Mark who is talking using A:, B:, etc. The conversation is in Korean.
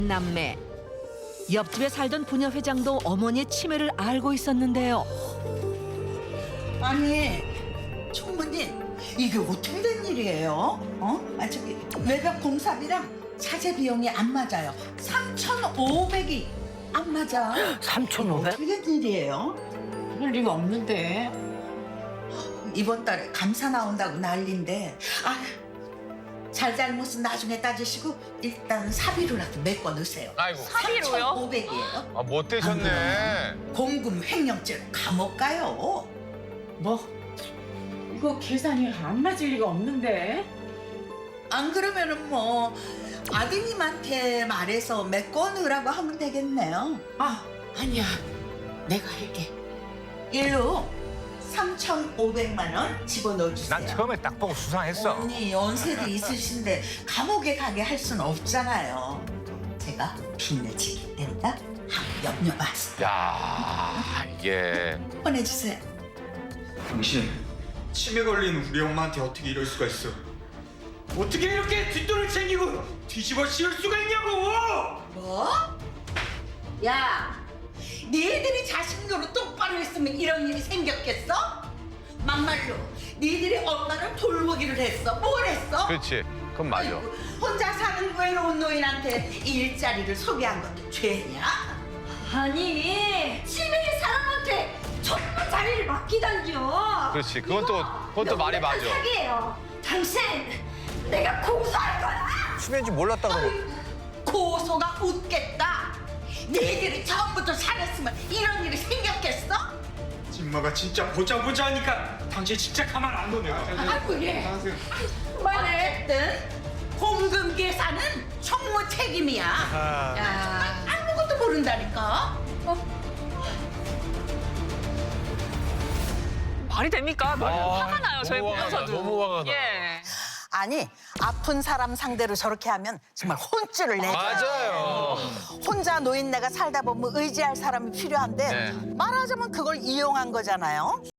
A: 남매. 옆집에 살던 부녀 회장도 어머니의 치매를 알고 있었는데요.
B: 아니, 총무님, 이게 어떻게 된 일이에요? 저기 외벽 공사비랑 자재 비용이 안 맞아요. 3,500이 안 맞아.
C: 3,500?
B: 어떻게 된 일이에요?
C: 그럴 리가 없는데.
B: 이번 달에 감사 나온다고 난리인데, 잘잘못은 나중에 따지시고 일단 사비로라도 메꿔 넣으세요.
D: 아이고.
E: 사비로요?
B: 3,500이에요.
D: 못 되셨네.
B: 공금 횡령죄로 감옥 가요.
C: 뭐? 이거 계산이 안 맞을 리가 없는데.
B: 안 그러면은 뭐 아드님한테 말해서 메꿔 넣으라고 하면 되겠네요.
C: 아니야. 내가 할게.
B: 일로 3,500만 원 집어넣어 주세요.
D: 난 처음에 딱 보고 수상했어.
B: 언니 연세도 있으신데 감옥에 가게 할 수는 없잖아요. 제가 빚내지기 된다? 한번 염려 마세요.
D: 야, 이게
B: 보내주세요.
F: 당신 치매 걸린 우리 엄마한테 어떻게 이럴 수가 있어? 어떻게 이렇게 뒷돈을 챙기고 뒤집어 씌울 수가 있냐고!
B: 뭐? 야, 니들이 자식 노릇 똑바로 했으면 이런 일이 생겼겠어? 막말로 니들이 엄마를 돌보기를 했어. 뭘 했어?
D: 그렇지. 그건 맞아.
B: 아이고, 혼자 사는 외로운 노인한테 일자리를 소개한 것도 죄냐?
E: 아니 치매의 사람한테 전부 자리를 맡기다니요.
D: 그렇지. 그건 또 말이 맞아.
E: 사기예요. 당신 내가 고소할 거야.
D: 치매인지 몰랐다 그러고.
B: 고소가 웃겠다. 니들이 처음부터 잘했으면 이런 일이 생겼겠어?
F: 엄마가 진짜 보자 하니까 당신 진짜 가만 안 둬. 내가.
B: 아이고 예. 어쨌든 공금 계산은 총무 책임이야. 야, 정말 아무것도 모른다니까.
G: 말이 됩니까? 화가 나요, 저희
D: 너무 화가 나,
G: 보면서도.
D: 너무 화가 나.
G: 예.
B: 아니 아픈 사람 상대로 저렇게 하면 정말 혼쭐을 내죠.
D: 맞아요.
B: 혼자 노인네가 살다 보면 의지할 사람이 필요한데
D: 네.
B: 말하자면 그걸 이용한 거잖아요.